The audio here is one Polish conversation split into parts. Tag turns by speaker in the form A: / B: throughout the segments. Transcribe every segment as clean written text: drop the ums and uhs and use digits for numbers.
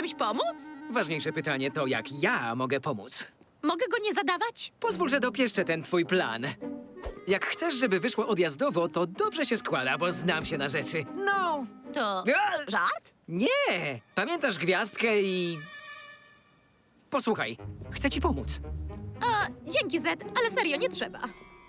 A: komuś pomóc?
B: Ważniejsze pytanie to, jak ja mogę pomóc.
A: Mogę go nie zadawać?
B: Pozwól, że dopieszczę ten twój plan. Jak chcesz, żeby wyszło odjazdowo, to dobrze się składa, bo znam się na rzeczy. No.
A: To
B: A!
A: żart?
B: Nie! Pamiętasz gwiazdkę i... Posłuchaj, chcę ci pomóc.
A: Dzięki, Zed, ale serio, nie trzeba.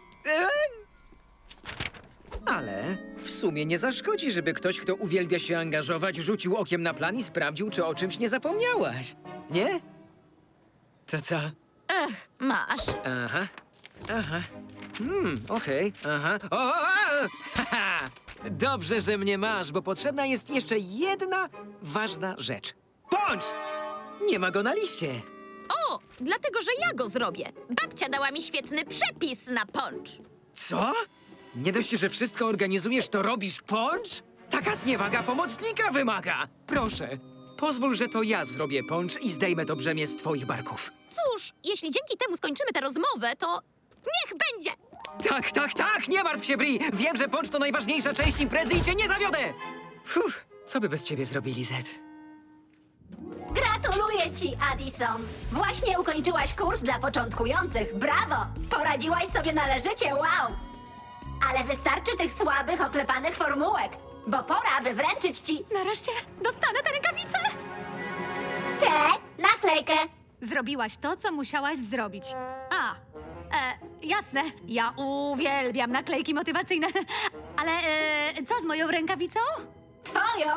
B: Ale w sumie nie zaszkodzi, żeby ktoś, kto uwielbia się angażować, rzucił okiem na plan i sprawdził, czy o czymś nie zapomniałaś. Nie? To co?
A: Masz.
B: Aha. Aha. Okej. Aha. O! Haha! Dobrze, że mnie masz, bo potrzebna jest jeszcze jedna ważna rzecz. Poncz! Nie ma go na liście.
A: O, dlatego, że ja go zrobię. Babcia dała mi świetny przepis na poncz.
B: Co? Nie dość, że wszystko organizujesz, to robisz poncz? Taka zniewaga pomocnika wymaga. Proszę, pozwól, że to ja zrobię poncz i zdejmę to brzemię z twoich barków.
A: Cóż, jeśli dzięki temu skończymy tę rozmowę, to niech będzie.
B: Tak, nie martw się, Bri! Wiem, że poncz to najważniejsza część imprezy i cię nie zawiodę! Co by bez ciebie zrobili, Zed?
C: Gratuluję ci, Addison! Właśnie ukończyłaś kurs dla początkujących. Brawo! Poradziłaś sobie należycie, wow! Ale wystarczy tych słabych, oklepanych formułek, bo pora, by wręczyć ci
D: Nareszcie dostanę tę rękawicę!
C: tę naklejkę.
D: Zrobiłaś to, co musiałaś zrobić. Jasne. Ja uwielbiam naklejki motywacyjne. Ale co z moją rękawicą?
C: Twoją?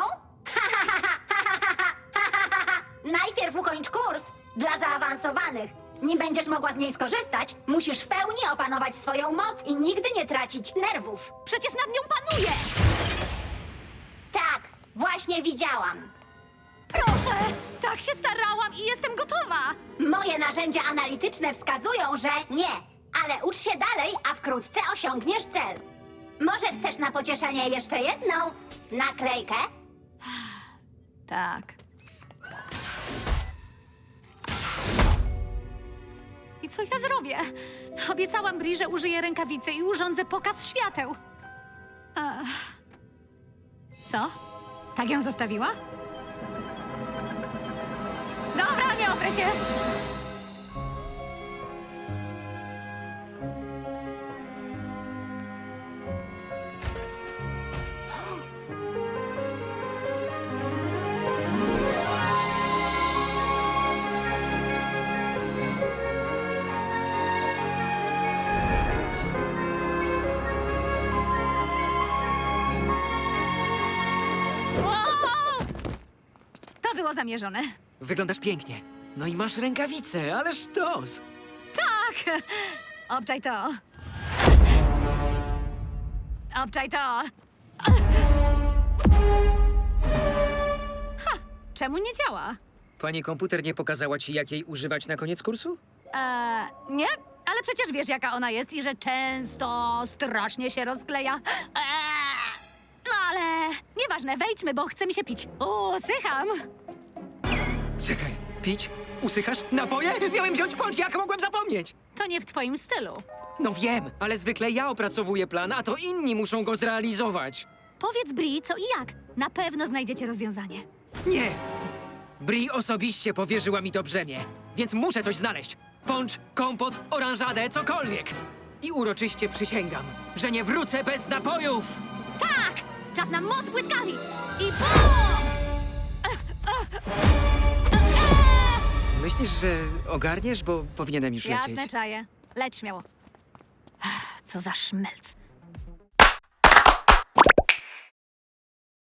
C: Najpierw ukończ kurs dla zaawansowanych. Nim będziesz mogła z niej skorzystać, musisz w pełni opanować swoją moc i nigdy nie tracić nerwów.
D: Przecież nad nią panuję!
C: Tak, właśnie widziałam.
D: Proszę! Tak się starałam i jestem gotowa!
C: Moje narzędzia analityczne wskazują, że nie. Ale ucz się dalej, a wkrótce osiągniesz cel. Może chcesz na pocieszenie jeszcze jedną naklejkę?
D: Tak. I co ja zrobię? Obiecałam Bri, że użyję rękawicy i urządzę pokaz świateł. Co? Tak ją zostawiła? Dobra, nie oprę się! Wow! To było zamierzone.
B: Wyglądasz pięknie. No i masz rękawicę, ależ sztos!
D: Tak! Obczaj to. Obczaj to. Ha! Czemu nie działa?
B: Pani komputer nie pokazała ci, jak jej używać na koniec kursu?
D: Nie, ale przecież wiesz, jaka ona jest i że często strasznie się rozkleja. No ale nieważne, wejdźmy, bo chce mi się pić. Usycham.
B: Czekaj, pić? Usychasz? Napoje? Miałem wziąć poncz, jak mogłem zapomnieć?
D: To nie w twoim stylu.
B: No wiem, ale zwykle ja opracowuję plan, a to inni muszą go zrealizować.
D: Powiedz Bri, co i jak. Na pewno znajdziecie rozwiązanie.
B: Nie! Bri osobiście powierzyła mi to brzemię, więc muszę coś znaleźć. Poncz, kompot, oranżadę, cokolwiek. I uroczyście przysięgam, że nie wrócę bez napojów!
D: Tak! Czas na moc błyskawic! I BUM!
B: Myślisz, że ogarniesz, bo powinienem już lecieć?
D: Jasne, czaję. Leć śmiało. Co za szmelc.